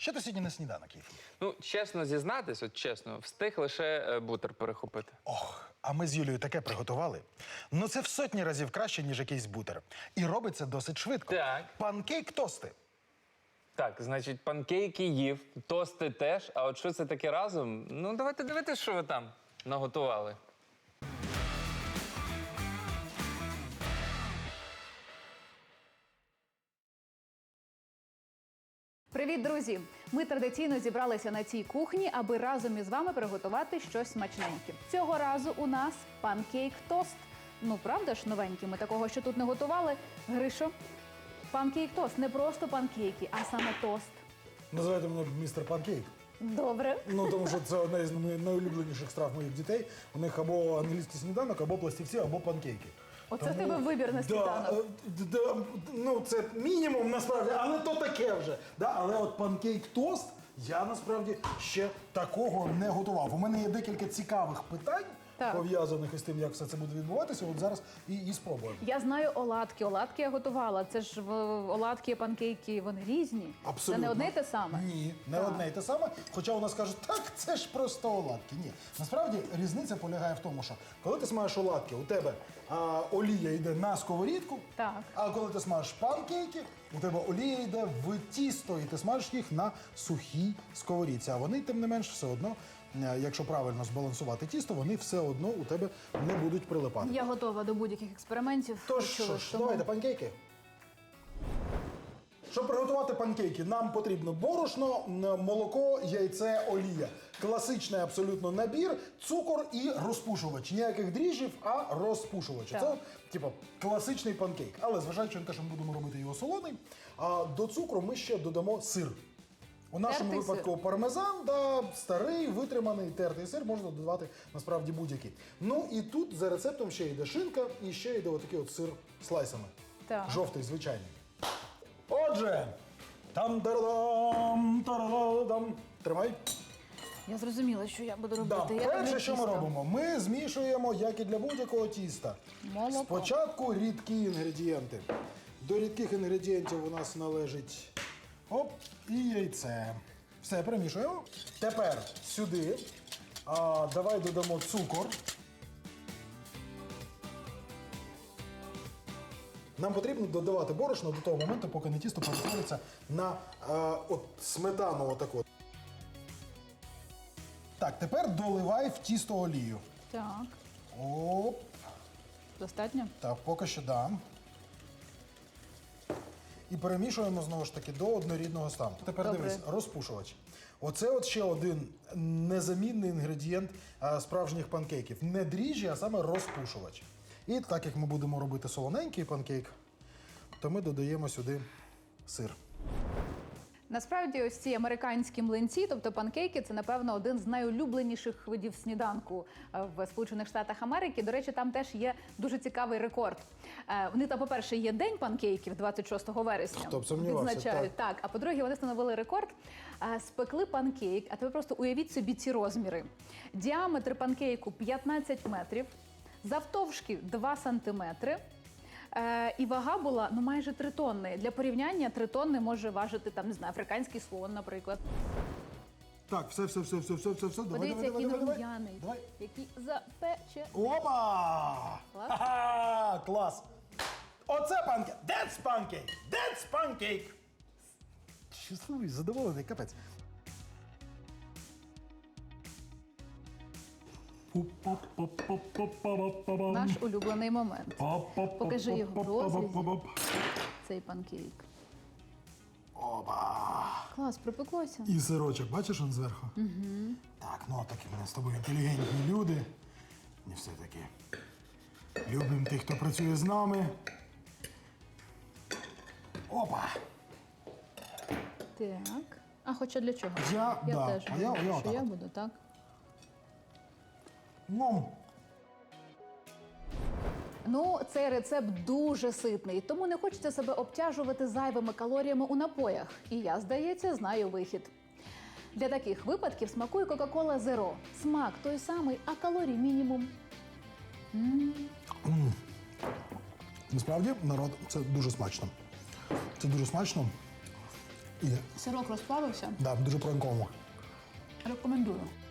Що ти сьогодні на сніданок їв? Ну, чесно зізнатись, от чесно, встиг лише бутер перехопити. Ох, а ми з Юлією таке приготували. Ну це в сотні разів краще, ніж якийсь бутер. І робиться досить швидко. Так. Панкейк-тости. Так, значить, панкейки їв, тости теж, а от що це таке разом? Ну, давайте дивитися, що ви там наготували. Привіт, друзі! Ми традиційно зібралися на цій кухні, аби разом із вами приготувати щось смачненьке. Цього разу у нас панкейк-тост. Ну, правда ж, новенький, ми такого ще тут не готували. Гришо, панкейк-тост. Не просто панкейки, а саме тост. Називайте мене містер Панкейк. Добре. Ну, тому що це одна із найулюбленіших страв моїх дітей. У них або англійський сніданок, або пластівці, або панкейки. Оце в тебе вибір на сніданок. Ну, це мінімум, насправді, але то таке вже. Да? Але от панкейк-тост я, насправді, ще такого не готував. У мене є декілька цікавих питань, Так. пов'язаних із тим, як все це буде відбуватися. От зараз і спробуємо. Я знаю оладки. Оладки я готувала. Це ж оладки, панкейки, вони різні. Абсолютно. Це не одне й те саме? Ні, не одне й те саме. Хоча у нас кажуть, так, це ж просто оладки. Ні. Насправді різниця полягає в тому, що коли ти смажеш оладки, у тебе олія йде на сковорідку, Так. а коли ти смажеш панкейки, у тебе олія йде в тісто, і ти смажиш їх на сухій сковорідці. А вони, тим не менш, все одно, якщо правильно збалансувати тісто, вони все одно у тебе не будуть прилипати. Я готова до будь-яких експериментів. Тож, Почули, що ж, тому- давайте панкейки. Щоб приготувати панкейки, нам потрібно борошно, молоко, яйце, олія. Класичний абсолютно набір, цукор і розпушувач. Ніяких дріжджів, а розпушувач. Так. Це, типу, класичний панкейк. Але зважаючи на те, що ми будемо робити його солоний, до цукру ми ще додамо сир. У нашому Тертий випадку сир. пармезан, да, старий, витриманий, тертий сир, можна додавати насправді будь-який. Ну і тут за рецептом ще йде шинка і ще йде отакий от сир слайсами. Так. Жовтий, звичайний. Отже, там-тарадам. Тримай. Я зрозуміла, що я буду Да. робити. Я Перше, люблю що ми тісто. робимо, ми змішуємо, як і для будь-якого тіста. Молоко. Спочатку рідкі інгредієнти. До рідких інгредієнтів у нас належить і яйце. Все, перемішуємо. Тепер сюди давай додамо цукор. Нам потрібно додавати борошно до того моменту, поки не тісто перетвориться на от сметану отаку. Так, тепер доливай в тісто олію. Так, Оп. достатньо? Так, поки що дам. І перемішуємо знову ж таки до однорідного стану. Тепер Добре. дивись, розпушувач. Оце от ще один незамінний інгредієнт справжніх панкейків. Не дріжджі, а саме розпушувач. І так як ми будемо робити солоненький панкейк, то ми додаємо сюди сир. Насправді, ось ці американські млинці, тобто панкейки, це, напевно, один з найулюбленіших видів сніданку в Сполучених Штатах Америки. До речі, там теж є дуже цікавий рекорд. Вони там, по-перше, є День панкейків 26 вересня. Хто б сумнівався, відзначають. Так, а по-друге, вони встановили рекорд. Спекли панкейк, а тепер просто уявіть собі ці розміри. Діаметр панкейку 15 метрів, завтовшки 2 сантиметри. І вага була майже 3 тонни. Для порівняння 3 тонни може важити там, не знаю, африканський слон, наприклад. Так, все. Давай, Подивіться, який давай. рум'яний, Давай. який запече. Опа! Клас. Ха-ха! Клас! Оце панкейк! That's pancake! That's pancake! Щасливий, задоволений, капець. Наш улюблений момент. Покажи його в розрізі. Цей панкейк. Опа! Клас, припеклося. І сирочок, бачиш он зверху? Угу. Так, ну такі ми з тобою інтелігентні люди. І все-таки любимо тих, хто працює з нами. Опа! Так. А хоча для чого? Я теж отак думаю, що я от. буду, так? Ну, цей рецепт дуже ситний, тому не хочеться себе обтяжувати зайвими калоріями у напоях. І я, здається, знаю вихід. Для таких випадків смакує Coca-Cola Zero. Смак той самий, а калорій мінімум. Насправді, народ, це дуже смачно. Це дуже смачно. І, Сирок розплавився. да, дуже пронково. Рекомендую.